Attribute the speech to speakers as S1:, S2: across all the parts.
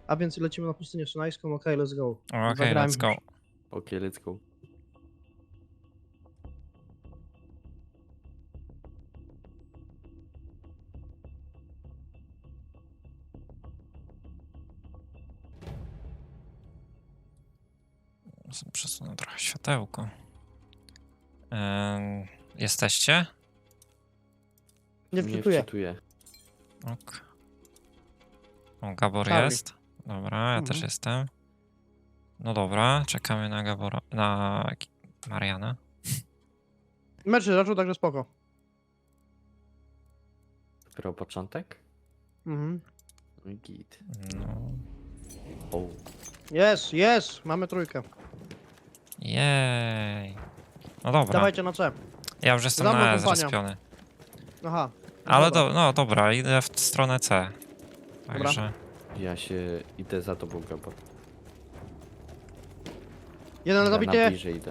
S1: A więc lecimy na pustynię szynajską, okej, let's go.
S2: Okej,
S1: Zagrałem
S2: let's go.
S3: Okej, let's go.
S2: Przesunę trochę światełko. Jesteście?
S1: Nie wczytuję.
S3: wczytuję.
S2: Ok. O, Gabor
S1: Charlie.
S2: jest. Dobra, ja też jestem. No dobra, czekamy na Gabora, na Mariana.
S1: Mecz się zaczął, także spoko.
S3: Dopiero początek?
S1: Mhm.
S3: No i git.
S2: No.
S3: O,
S1: Jest, mamy trójkę.
S2: Jej. No dobra,
S1: Dawajcie na C.
S2: ja już jestem
S1: Za mną
S2: na E
S1: kompania.
S2: zrespiony.
S1: Aha.
S2: Ale
S1: dobra.
S2: no dobra, idę w stronę C. Także
S3: ja się idę za tobą, Gabor.
S1: Jeden
S3: Ja na
S1: zabity.
S3: bliżej idę.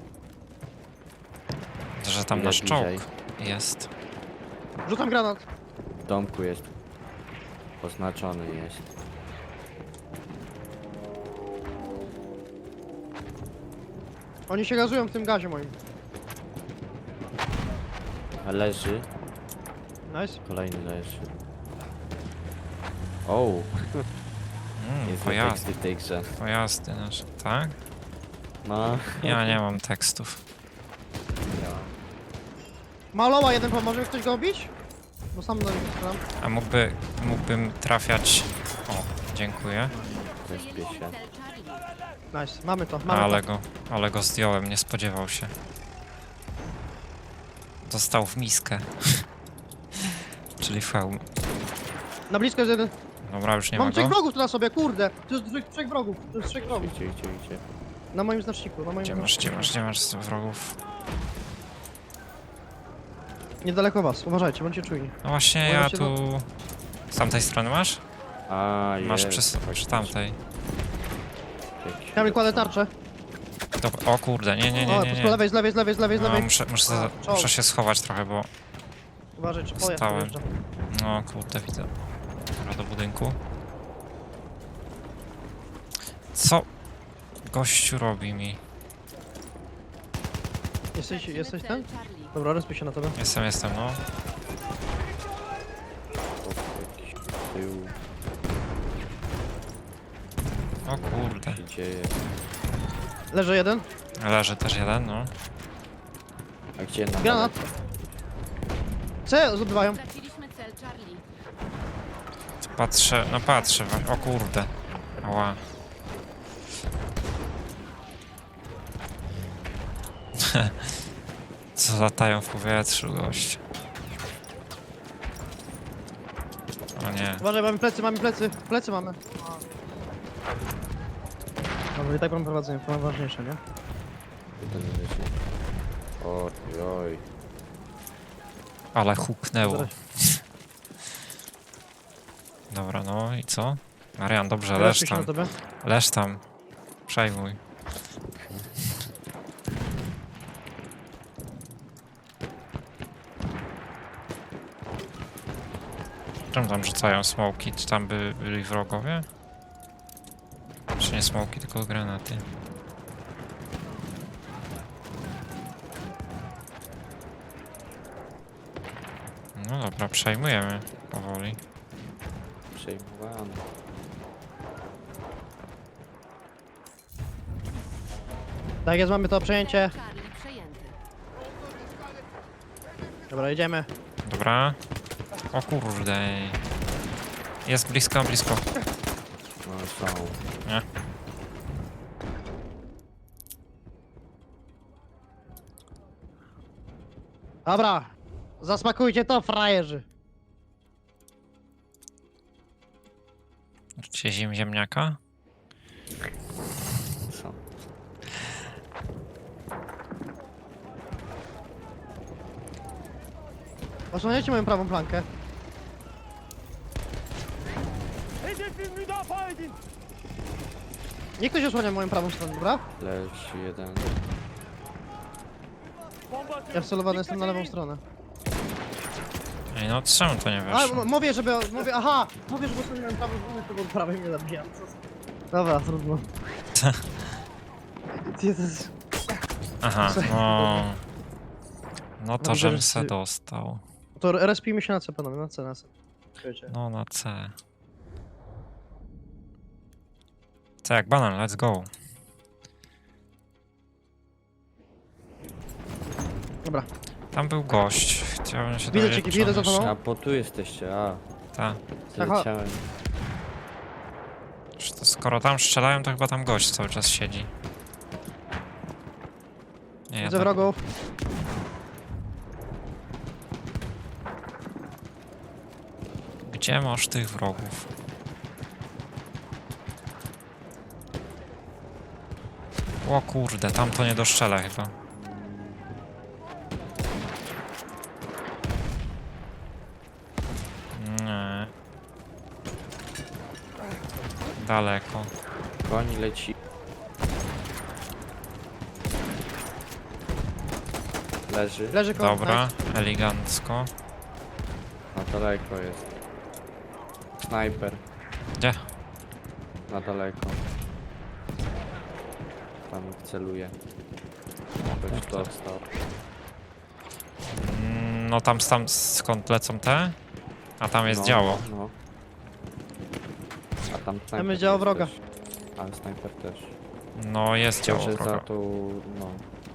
S2: że tam
S3: Ile
S2: nasz
S3: bliżej?
S2: czołg jest.
S1: Rzucam granat.
S3: W domku jest. Oznaczony jest.
S1: Oni się gazują w tym gazie moim.
S3: A leży.
S1: Nice.
S3: Kolejny leży. O, jest
S2: Pojazdy,
S3: teksty w tej grze.
S2: pojazdy nasze, tak?
S3: No.
S2: Ja nie mam tekstów.
S1: Maloła jeden pomoże, ktoś go bić? Bo sam do niego strzelam.
S2: A mógłbym trafiać... O, dziękuję.
S3: Zespie się.
S1: Nice, mamy to, mamy to.
S2: Ale go zdjąłem, nie spodziewał się. Dostał w miskę. Czyli fełm.
S1: Na blisko jest jeden.
S2: Dobra, już nie ma
S1: Mam trzech
S2: go.
S1: wrogów tu na sobie, kurde. To jest trzech wrogów, to jest trzech wrogów.
S3: Idzie.
S1: Na moim znaczniku, na moim
S2: Gdzie masz wrogów?
S1: Niedaleko was, uważajcie, bądźcie czujni.
S2: No właśnie, ja
S1: Możecie
S2: tu... Z tamtej strony masz?
S3: A,
S2: Masz
S3: jest.
S2: przy tamtej.
S1: Kamil, kładę tarczę.
S2: Dobra, o kurde, nie.
S1: O, po lewej, z lewej.
S2: No,
S1: Czołg.
S2: muszę się schować trochę, bo...
S1: Uważaj, czy pojazd
S2: Stałem.
S1: dojeżdża.
S2: No kurde, widzę. Dobra, do budynku. Co gościu robi mi?
S1: Jesteś ten? Dobra, respię się na tobie.
S2: Jestem, no.
S3: Jakiś tył
S2: O kurde.
S3: się dzieje.
S1: Leży jeden.
S2: Leży też jeden, no.
S3: A gdzie na
S1: Granat. C zdobywają.
S4: Straciliśmy cel Charlie.
S2: Patrzę. O kurde. Ała. Co latają w powietrzu, gość. O nie.
S1: Uważaj, mamy plecy. Plecy mamy. Dobra, i tak mam prowadzenie, to najważniejsze, nie?
S3: Jeden leży. Oj.
S2: Ale huknęło.
S1: Dobra.
S2: Dobra, no i co? Marian, dobrze, leż
S1: Respię się na
S2: tam.
S1: tobie.
S2: Leż tam. Przejmuj. Czemu tam rzucają smoki? Czy tam byli wrogowie? Czy nie smoki, tylko granaty? No dobra, przejmujemy powoli.
S3: Przejmowany.
S1: Tak jest, mamy to przejęcie.
S4: Charlie przejęty.
S1: Dobra, jedziemy.
S2: Dobra. O kurde. Jest blisko.
S3: No są.
S2: Nie.
S1: Dobra. Zasmakujcie to, frajerzy.
S2: Czy ziemniaka?
S3: Są.
S1: Osłaniajcie moją prawą flankę. Niech ktoś osłania moją prawą stronę, dobra?
S3: Leży jeden.
S1: Ja wcelowany jestem na lewą stronę.
S2: Ej, no czemu to nie
S1: A,
S2: weszło?
S1: mówię, żeby... Aha! Mówię, żeby ustawiłem prawą stronę, to był prawej mnie zabijam. Dobra, trudno. Jezus.
S2: Aha, no... No to
S1: Widzę,
S2: żem
S1: że
S2: se
S1: ty-
S2: dostał.
S1: To respijmy się na C, panowie, na C, na C. Wiecie.
S2: No na C. C jak banan, let's go.
S1: Dobra.
S2: Tam był gość. Chciałbym się
S1: Widzę
S2: dowiedzieć,
S1: cię,
S2: czy
S1: widzę
S2: on
S1: za tobą.
S2: jeszcze-
S3: A, bo tu jesteście, a.
S2: Ta.
S3: Zleciałem.
S2: Czy to skoro tam strzelają, to chyba tam gość cały czas siedzi. Nie,
S1: Widzę
S2: jednak-
S1: wrogów.
S2: Gdzie masz tych wrogów? O kurde, tam to nie doszczela chyba. Nie. Daleko.
S3: Koń leci. Leży.
S1: Leży koło.
S2: Dobra, elegancko.
S3: Na daleko jest. Snajper.
S2: Gdzie?
S3: Na daleko. Tam celuje. Ktoś dostał.
S2: No tam skąd lecą te? A tam jest
S3: No,
S2: działo.
S3: No. A tam snajper.
S1: jest działo
S3: jest
S1: wroga.
S3: też. Ale snajper też.
S2: No jest działo
S3: Że za
S2: wroga.
S3: tą, no.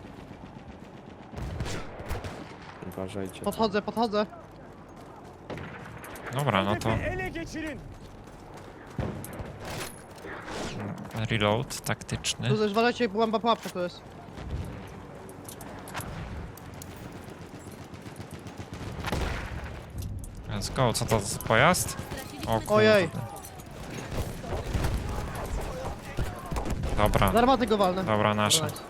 S3: Uważajcie.
S1: Podchodzę, podchodzę.
S2: Dobra, no to
S5: Ele geçirin.
S2: reload taktyczny.
S1: Tu zezwalajcie, byłam pułapka to jest.
S2: Let's go, co to za pojazd? O kurde.
S1: Ojej.
S2: Dobra,
S1: Z armaty go walnę.
S2: dobra, nasze.
S1: Dobra, nice.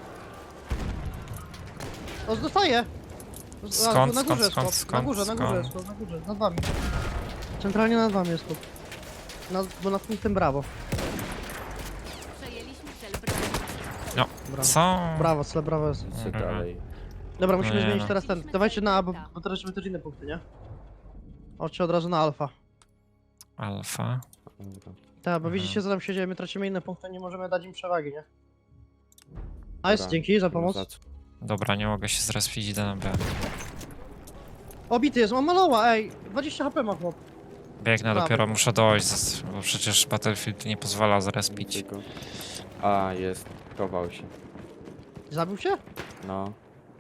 S1: O, dostaję!
S2: Skąd,
S1: na górze
S2: skąd,
S1: jest chłop.
S2: skąd,
S1: Na górze, na
S2: skąd?
S1: górze jest chłop, na górze, nad wami. Centralnie nad wami jest chłop. Bo nad punktem brawo.
S4: Przejęliśmy cel Bravo.
S1: Brawo.
S2: Co?
S1: Brawo, cele brawo jest.
S3: Co
S2: Mhm.
S3: dalej?
S1: Dobra, musimy
S2: nie,
S1: zmienić
S2: no.
S1: teraz ten. Dawajcie na A, bo teraz żeby też inne punkty, nie? Chodźcie od razu na alfa.
S2: Alfa.
S3: Dobra.
S1: Tak, bo
S2: Mhm.
S1: widzicie co tam się dzieje, my tracimy inne punkty, nie możemy dać im przewagi, nie? Nice,
S3: Dobra.
S1: dzięki za
S3: No
S1: pomoc.
S3: za co?
S2: Dobra, nie mogę się zrespić, idę na B.
S1: Obity jest, on maloła, ej! 20 HP ma chłop.
S2: Biegnę,
S1: Dobra.
S2: dopiero muszę dojść, bo przecież Battlefield nie pozwala zrespić.
S3: Widzę go. A, jest. Chował się.
S1: Zabił się?
S3: No.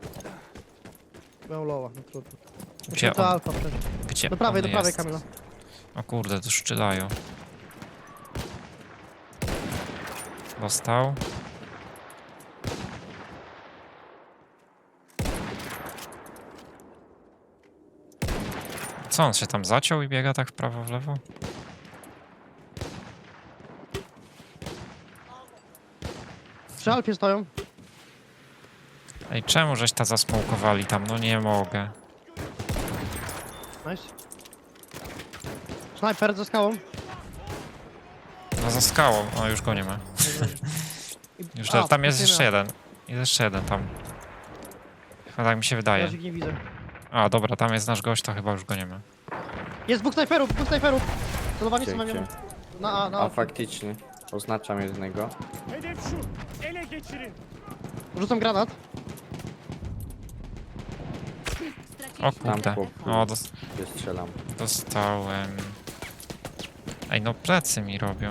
S1: Miał loła, no trudno.
S2: Gdzie
S1: Musimy to
S2: on,
S1: alfa przejść.
S2: gdzie
S1: Do prawej,
S2: on
S1: do prawej
S2: jest?
S1: Kamila.
S2: O kurde, tu strzelają. Dostał. Co, on się tam zaciął i biega tak w prawo, w lewo?
S1: Przy alfie stoją.
S2: Ej, czemu żeś ta zasmokowali tam? No nie mogę.
S1: Nice. Snajper ze skałą.
S2: No za skałą, o już go nie ma. Już
S1: A,
S2: tam jest
S1: nie
S2: jeszcze
S1: ma.
S2: jeden. Jest jeszcze jeden tam. Chyba tak mi się wydaje.
S1: Ja ich nie widzę.
S2: A, dobra, tam jest nasz gość, to chyba już go nie ma.
S1: Jest dwóch snajperów, dwóch snajperów! Celowani są na
S3: Gdzie,
S1: mnie.
S3: gdzie?
S1: Na A, na
S3: A
S1: A.
S3: faktycznie. Oznaczam jednego.
S5: Hedef şu. Ele geçirin.
S1: Rzucam granat.
S2: O
S4: Straciliśmy
S2: kurde.
S3: chłop.
S2: O,
S3: Gdzie strzelam.
S2: dostałem. Ej, no plecy mi robią.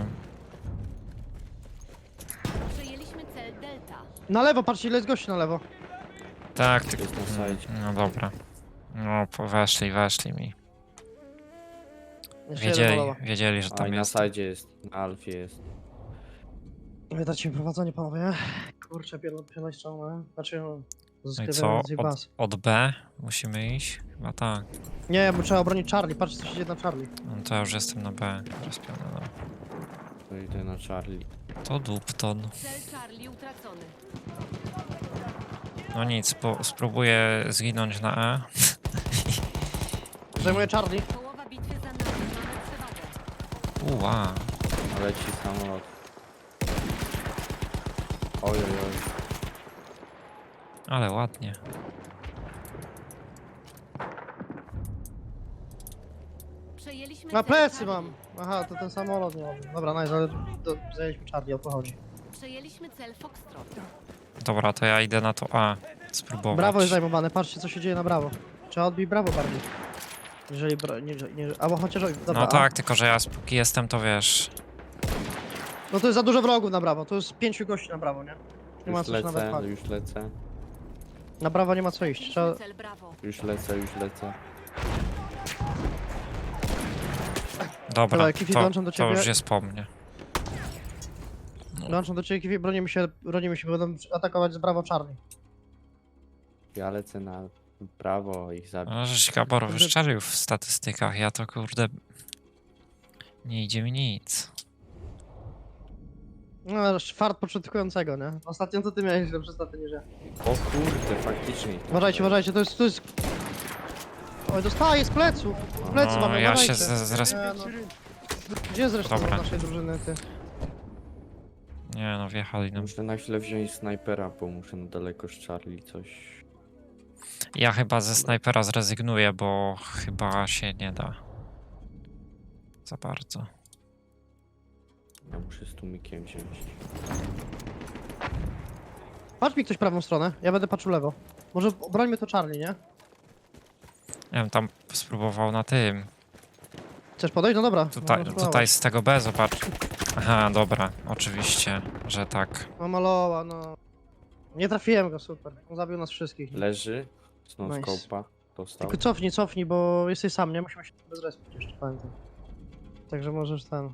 S4: Przejęliśmy cel Delta.
S1: Na lewo, patrzcie ile jest gości na lewo.
S2: Tak, ty...
S3: Jest na sajcie.
S2: No dobra. No, weszli mi.
S1: Jeszcze jeden malowa.
S2: Wiedzieli, że
S3: A
S2: tam
S3: i na
S2: jest.
S3: sajdzie jest. Na alfie jest.
S1: Wydacie mi prowadzenie, panowie. Kurczę, pierdolę ściągnę. Znaczy, no,
S2: No i
S1: zyskiwałem
S2: co?
S1: z ich baz.
S2: Od B musimy iść? Chyba tak.
S1: Nie, bo trzeba obronić Charlie. Patrzcie, co się dzieje na Charlie.
S2: No to ja już jestem na B. Rozpiony, no.
S3: To idę na Charlie.
S2: To Dupton.
S4: Cel Charlie utracony.
S2: No nic, spróbuję zginąć na E.
S1: Zajmuję Charlie.
S4: Połowa bitwy za nami. Mamy przewagę.
S2: Uła.
S3: Leci samolot. Oj, oj, oj.
S2: Ale ładnie.
S4: Przejęliśmy
S1: Na
S4: cel
S1: plecy
S4: Charlie.
S1: mam! Aha, to ten samolot nie mam. Dobra, nice, ale zajęliśmy Charlie, o to chodzi.
S4: Przejęliśmy cel Foxtrot.
S2: Dobra, to ja idę na to A. Spróbować.
S1: Brawo jest zajmowane, patrzcie co się dzieje na brawo. Trzeba odbić brawo bardziej. Jeżeli albo chociaż... Dobra,
S2: No tak, tylko że ja póki jestem, to wiesz.
S1: No to jest za dużo wrogów na brawo, to jest 5 gości na brawo, nie? Nie ma
S3: Już
S1: co się nawet
S3: lecę,
S1: chwalić.
S3: już lecę.
S1: Na brawo nie ma co iść, trzeba...
S4: Przejęliśmy cel Brawo.
S3: Już lecę, już lecę.
S2: Dobra,
S1: Dobra, Kifi, dołączam do
S2: to
S1: ciebie.
S2: już jest po mnie.
S1: Dołączam do ciebie, Kiwi, bronimy się, będą atakować z brawo Charlie.
S3: Ja lecę na prawo ich zabić.
S2: No, żeś Gabor wyszczelił w statystykach, ja to kurde... Nie idzie mi nic.
S1: No, fart początkującego, nie? Ostatnio to ty miałeś lepsze staty niż ja.
S3: O kurde, faktycznie.
S1: Uważajcie, uważajcie, to jest... Oj, dostaję z pleców! Z plecy
S2: No,
S1: mamy,
S2: ja
S1: uważajcie.
S2: się zres...
S1: Nie, no. Gdzie jest reszta
S2: Dobra.
S1: naszej drużyny, ty?
S2: Nie no, wjechali nam.
S3: Muszę na chwilę wziąć snajpera, bo muszę na daleko z Charlie coś.
S2: Ja chyba ze snajpera zrezygnuję, bo chyba się nie da. Za bardzo.
S3: Ja muszę z tłumikiem wziąć.
S1: Patrz mi ktoś prawą stronę, ja będę patrzył lewo. Może brońmy to Charlie, nie?
S2: Ja bym tam spróbował na tym.
S1: Chcesz podejść? No dobra.
S2: Tutaj,
S1: można
S2: tutaj
S1: spróbować.
S2: z tego B, zobacz. Aha, dobra, oczywiście, że tak.
S1: No maloła, no. Nie trafiłem go, super. On zabił nas wszystkich.
S3: Leży. Z
S1: Nice.
S3: no-scope'a. Dostał.
S1: Tylko cofnij, bo jesteś sam, nie? Musimy się bez respić jeszcze, pamiętam. Także możesz ten...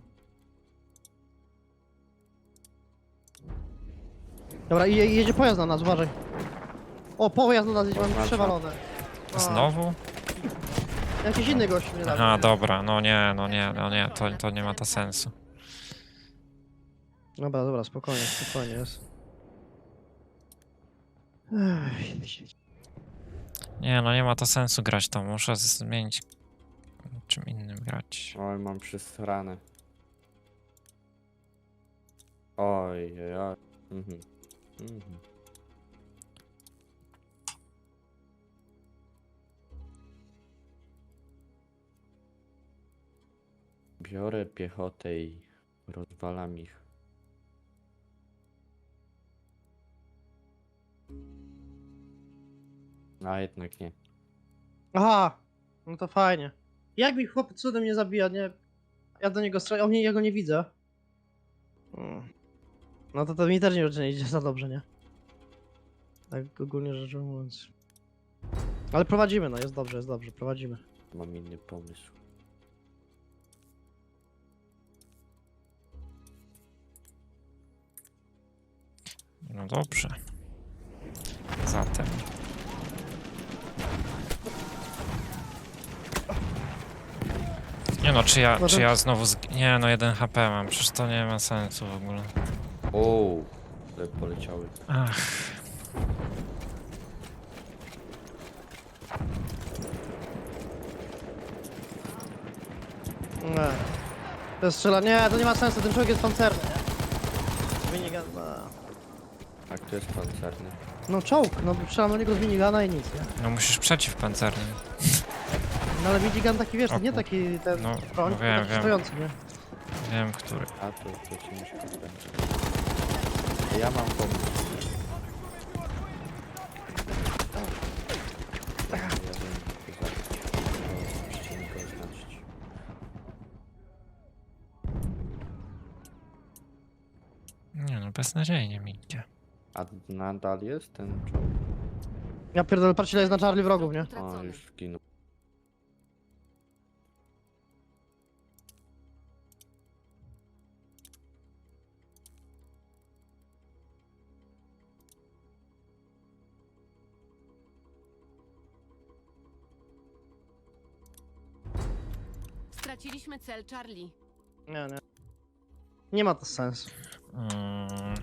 S1: Dobra, i jedzie pojazd na nas, uważaj. O, pojazd na nas jedzie, mamy
S3: Oznacza.
S1: przewalone. A,
S2: Znowu?
S1: Jakiś inny gość mnie zabił.
S2: Aha, dobra, no nie, to nie ma to sensu.
S1: Dobra, spokojnie jest. Ech,
S2: Nie, no nie ma to sensu grać to, muszę zmienić czym innym grać.
S3: Oj, mam przesrane. Oj, oj, oj. Mhm. Mhm. Biorę piechotę i rozwalam ich. A jednak nie.
S1: Aha, no to fajnie. Jak mi chłop cudem nie zabija, nie? Ja do niego strzelam, ja go nie widzę. No to mi też nie idzie za dobrze, nie? Tak ogólnie rzecz ujmując. Ale prowadzimy, no jest dobrze, prowadzimy.
S3: Mam inny pomysł.
S2: No dobrze. Zatem. Nie no, czy ja znowu Nie no, 1 HP mam, przecież to nie ma sensu w ogóle.
S3: O, ale poleciały.
S2: Ach.
S1: Nie. To jest nie, to nie ma sensu, ten człowiek jest pancerny, nie? Minigun, no.
S3: A kto jest pancerny?
S1: No czołg, no strzelam do niego z minigana i nic, nie?
S2: No musisz przeciwpancernym.
S1: No ale minigun taki, wiesz, to
S2: O
S1: nie
S2: kur-
S1: taki ten
S2: no,
S1: broń,
S2: no
S1: tylko
S2: wiem,
S1: taki
S2: wiem.
S1: stojący, nie?
S2: Wiem, który.
S3: A to ciężko będzie. Ja mam pomysł. Ja wiem, to zabić. To musicie mi go oznaczyć.
S2: Nie no, beznadziejnie mi idzie.
S3: A nadal jest ten czołg?
S1: Ja pierdolę, patrz ile jest na Charlie wrogów, nie?
S3: O,
S4: Utracony.
S3: już zginął.
S4: Straciliśmy cel Charlie.
S1: Nie. Nie ma to sensu.
S2: Mm,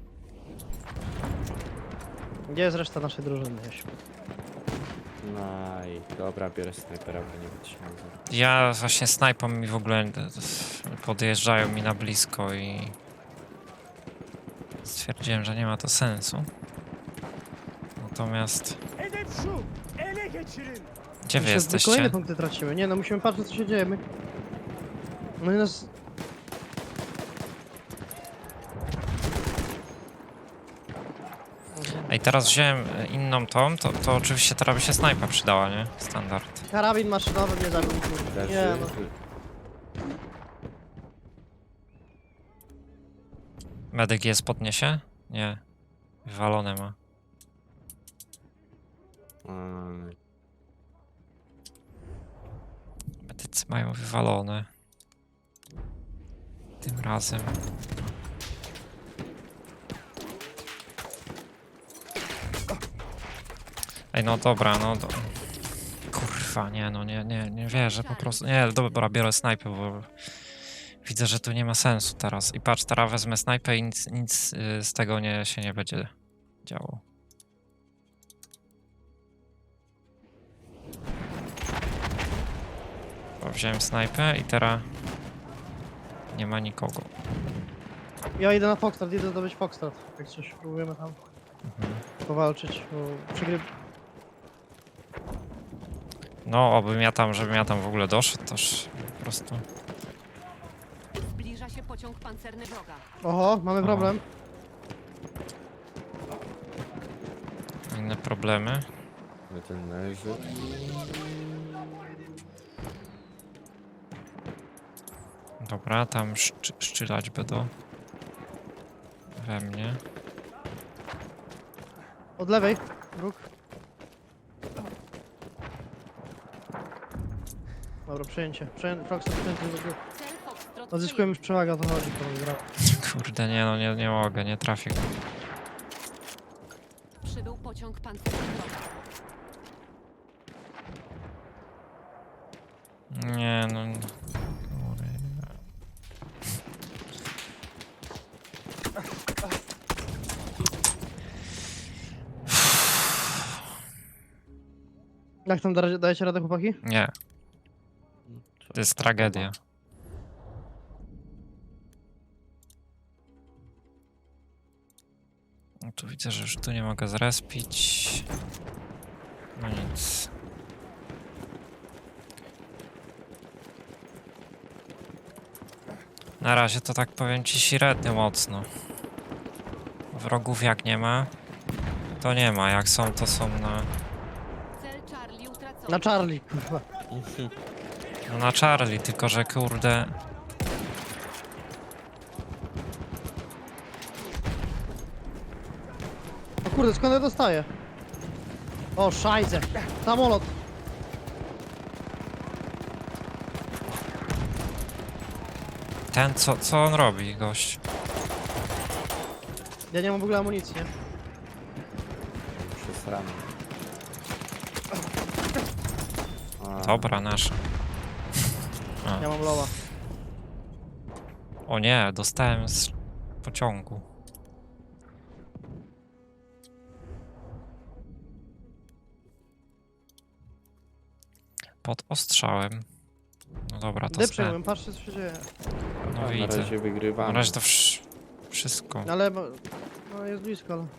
S1: Gdzie jest reszta naszej drużyny, Jasiu?
S3: No i dobra, biorę snajpera, bo nie wytrzymam.
S2: ja właśnie snajpą mi w ogóle podjeżdżają mi na blisko i stwierdziłem, że nie ma to sensu. Natomiast
S5: Hedef şu. Ele geçirin.
S2: Gdzie wy
S1: Kolejne
S2: jesteście?
S1: punkty tracimy. Nie no, musimy patrzeć co się dzieje. My... No i nas...
S2: Ej, teraz wziąłem inną tą, to oczywiście teraz by się snajpa przydała, nie? Standard.
S1: Karabin maszynowy mnie zabił. kurde.
S3: Leży.
S1: Nie no.
S2: Medyk jest podniesie? Nie. Wywalone ma.
S3: Aj.
S2: Medycy mają wywalone. Tym razem. Ej, no dobra, no do... Kurwa, nie, no nie wierzę po prostu. Nie, dobra, biorę snajpę, bo widzę, że tu nie ma sensu teraz. I patrz, teraz wezmę snajpę i nic z tego się nie będzie działo. Bo wziąłem snajpę i teraz nie ma nikogo.
S1: Ja idę na Foxtrot, idę zdobyć Foxtrot. Jak coś próbujemy tam powalczyć, bo przegryw...
S2: No, żebym ja tam w ogóle doszedł, toż po prostu.
S4: Zbliża się pociąg pancerny wroga.
S1: Oho, mamy problem.
S2: Inne problemy.
S3: Ten leży.
S2: Dobra, tam szczylać będą. We mnie.
S1: Od lewej, róg. Dobra, przejęcie. Foxtrot przejęty do góry.
S4: Cel Foxtrot
S1: Odzyskujemy już przewagę, o to chodzi.
S2: Kurde, nie no, nie mogę, nie trafię.
S4: przybył pociąg pancerny wroga.
S2: Nie no. Kurde.
S1: Jak tam dajecie radę, chłopaki?
S2: Nie, to jest tragedia. No tu widzę, że już tu nie mogę zrespić. No nic. Na razie to tak powiem ci średnio mocno. Wrogów jak nie ma, to nie ma. Jak są, to są na...
S4: Cel Charlie utracony.
S1: Na Charlie, kurwa.
S2: No na Charlie, tylko że kurde...
S1: O kurde, skąd ja dostaję? O, szajze. Samolot.
S2: Ten, co on robi, gość?
S1: Ja nie mam w ogóle amunicji, nie?
S3: Przesrany. A,
S2: Dobra, nasz.
S1: Ja mam loła.
S2: O nie, dostałem z pociągu. Pod ostrzałem. No dobra, to
S1: Gdy
S2: zdałem.
S1: przejmuję, patrzcie co się dzieje.
S2: No
S3: na
S2: widzę.
S3: razie
S2: Na
S3: wygrywamy.
S2: razie to wszystko.
S1: Ale... No jest blisko, ale...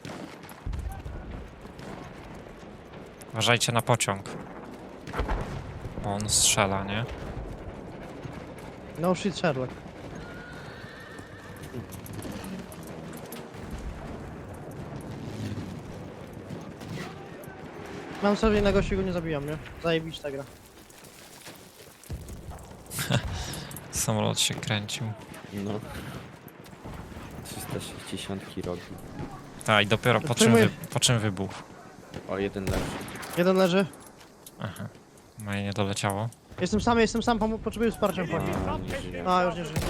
S2: Uważajcie na pociąg. Bo on strzela, nie?
S1: No shit, Sherlock. Mam sobie innego siły, nie zabijam, nie? Zajebić ta gra.
S2: Samolot się kręcił.
S3: No. 360 rogi.
S2: Tak, i dopiero po
S1: Przejmuję.
S2: czym wybuchł.
S3: O, jeden leży.
S1: Jeden leży.
S2: Aha. Moje nie doleciało.
S1: Jestem sam, potrzebuję wsparcia, chłopaki.
S3: A, nie żyje.
S1: A, już nie żyję.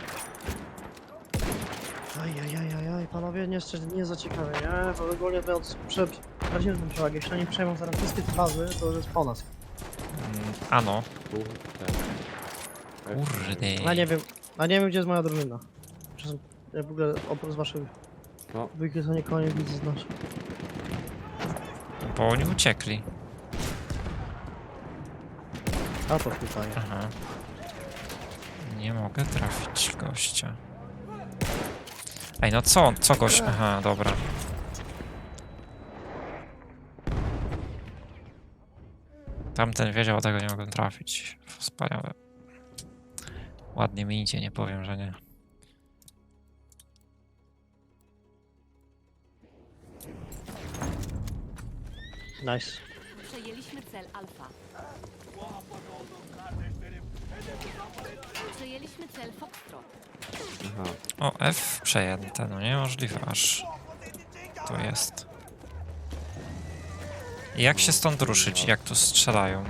S1: Ajajajajaj, panowie, nie za ciekawe, nie? Bo ogólnie to stracimy tę przewagę. Jeśli oni przejmą zaraz wszystkie te bazy, to już jest po nas.
S2: Ano.
S3: Kurde.
S2: Kurde.
S1: A nie wiem, gdzie jest moja drużyna. Ja w ogóle oprócz waszych
S3: No.
S1: dwójki to nikogo nie widzę z nas.
S2: Bo oni uciekli.
S1: A to tutaj.
S2: Aha. Nie mogę trafić gościa. Ej, no co gość? Aha, dobra. Tamten wiedział, a tego nie mogłem trafić. Wspaniałe. Ładnie mi idzie, nie powiem, że nie.
S1: Nice.
S4: Przejęliśmy cel Alfa. Przejęliśmy cel Foxtrot.
S3: Aha.
S2: O, F przejęte, no niemożliwe aż. Tu jest. Jak się stąd ruszyć? Jak tu strzelają?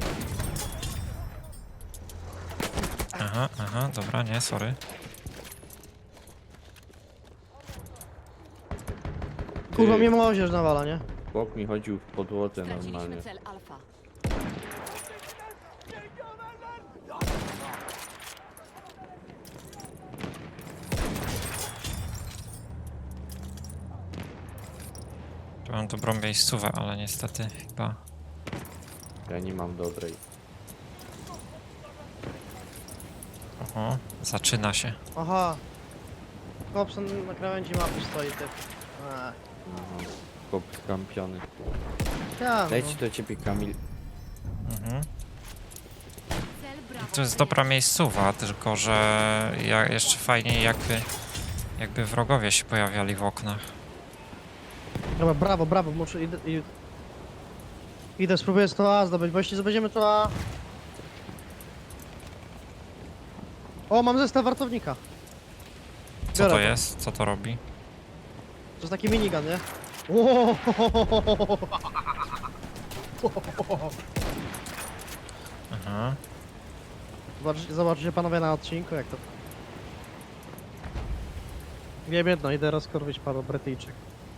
S2: Aha, aha, dobra, nie, sorry.
S1: Kurwa, mnie młodzież nawala, nie?
S3: Chłop mi chodził w podłodze normalnie.
S4: Straciliśmy cel Alfa.
S2: Tu mam dobrą miejscówę, ale niestety chyba...
S3: Ja nie mam dobrej.
S2: Oho, zaczyna się.
S1: Aha. Hobson na krawędzi mapy stoi, typ.
S3: Aha. Chłop skampiony.
S1: Ja,
S3: Leci do ciebie, Kamil.
S2: Mhm.
S4: Cel Bravo.
S2: To jest dobra miejscowa, tylko że jeszcze fajniej jakby wrogowie się pojawiali w oknach.
S1: Dobra, brawo, brawo, muszę idę, spróbuję to A zdobyć, bo jeśli zdobędziemy to A... O, mam zestaw wartownika.
S2: Co
S1: Biorę
S2: to jest? Co to robi?
S1: To jest taki minigun, nie? Ło!
S2: Aha.
S1: Zobaczcie panowie na odcinku, jak to... Wiem jedno, idę rozkorwić paru Brytyjczyk.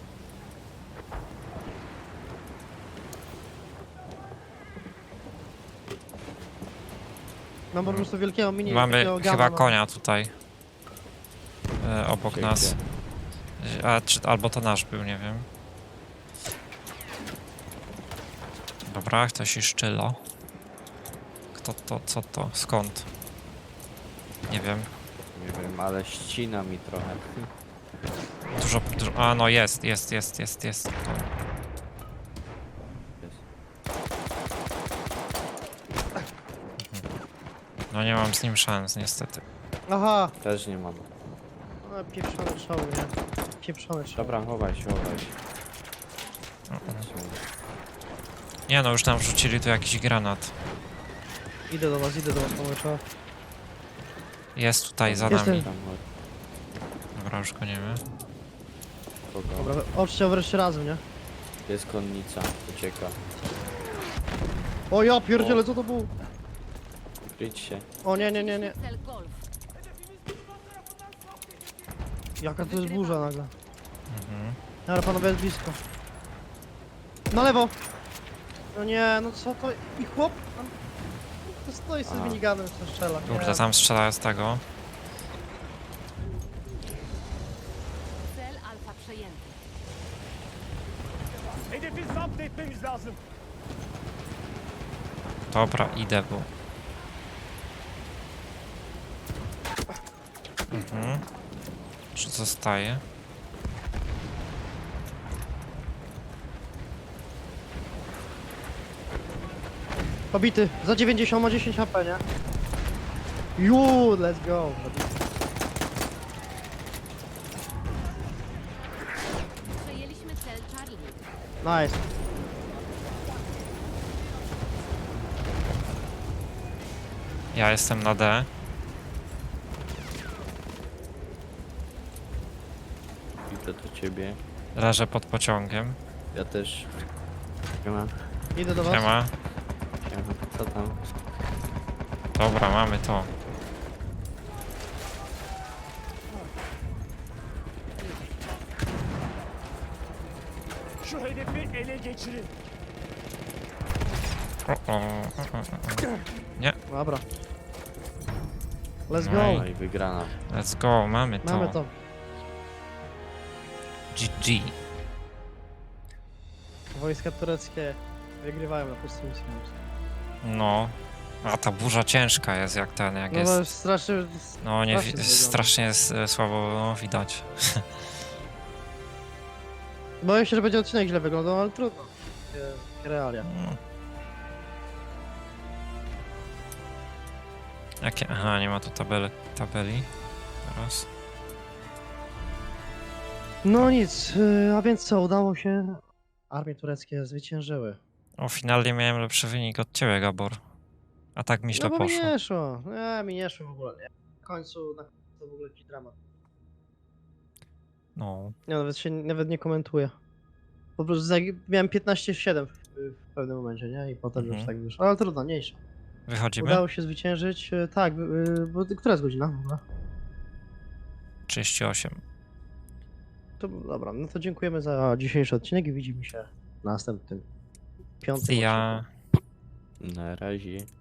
S1: Mam po prostu wielkiego mini...
S2: Mamy
S1: takiego gama,
S2: chyba
S1: no.
S2: konia tutaj. Obok
S3: Gdzie,
S2: nas. Albo to nasz był, nie wiem. Dobra, ktoś i szczylo. Kto to, co to, skąd? Nie wiem.
S3: Nie wiem, ale ścina mi trochę.
S2: Dużo, a no jest. Tu.
S3: Jest.
S2: No nie mam z nim szans, niestety.
S1: Aha!
S3: Też nie mam.
S1: No, pieprzony szoł, nie? Pieprzony szoł.
S3: Dobra, chowaj się, chowaj się.
S2: Nie no, już tam wrzucili tu jakiś granat.
S1: Idę do was, pomysła.
S2: Jest tutaj za
S1: Jestem.
S2: nami.
S3: Tam,
S2: Dobra, już go nie wiem.
S3: kogo?
S1: Dobra, oczcie wreszcie razem, nie?
S3: Jest konnica, ucieka.
S1: O ja pierdzielę, co to było?
S3: Kryć się.
S1: O nie.
S4: Cel Golf.
S1: Jaka to jest burza nagle.
S2: Mhm.
S1: Dobra, panowie, jest blisko. Na lewo! No nie, no co to? I chłop? Tam... To stoi z
S3: A.
S1: miniganem, co strzela. Nie.
S2: Kurde, tam strzela z tego.
S4: Cel Alfa przejęty.
S5: Hedefi zapt etmemiz lazım.
S2: Dobra, idę, bo... Mhm. Czy zostaje?
S1: Pobity, za 90 ma 10 HP, nie? Let's go!
S4: Przejęliśmy cel Charlie.
S1: Nice.
S2: Ja jestem na D.
S3: Idę do ciebie.
S2: Leżę pod pociągiem.
S3: Ja też. Siema.
S1: Idę do was.
S2: Siema.
S3: Siema. Co tam?
S2: Dobra, mamy to.
S5: Şu hedefi ele geçirin.
S2: Nie,
S1: Dobra. Let's
S2: No
S1: go.
S3: No i wygrana.
S2: let's go, mamy to.
S1: Mamy to.
S2: GG.
S1: Wojska tureckie wygrywają na pustym miejscu.
S2: No. A ta burza ciężka jest jak ten, jak
S1: No bo
S2: jest.
S1: jest strasznie...
S2: No nie,
S1: strasznie wygląda.
S2: strasznie jest słabo no, widać.
S1: Boję się, że będzie odcinek źle wyglądał, ale trudno. Takie realia.
S2: No. Jakie? Aha, nie ma tu tabeli. Teraz.
S1: No nic, a więc co, udało się. Armie tureckie zwyciężyły.
S2: O, finalnie miałem lepszy wynik od ciebie, Gabor. A tak mi źle
S1: No bo mi
S2: poszło.
S1: nie szło. Nie, mi nie szło w ogóle. Nie. Na końcu to w ogóle jakiś dramat.
S2: No.
S1: Ja nawet nie komentuję. Po prostu miałem 15-7 w pewnym momencie, nie? I potem już
S2: Mhm.
S1: tak wyszło. Ale trudno, mniejsza.
S2: Wychodzimy?
S1: Udało się zwyciężyć. Tak, bo która jest godzina w ogóle?
S2: 38.
S1: To dobra, no to dziękujemy za dzisiejszy odcinek i widzimy się w następnym piątym
S2: Ja.
S1: odcinku.
S3: Na razie.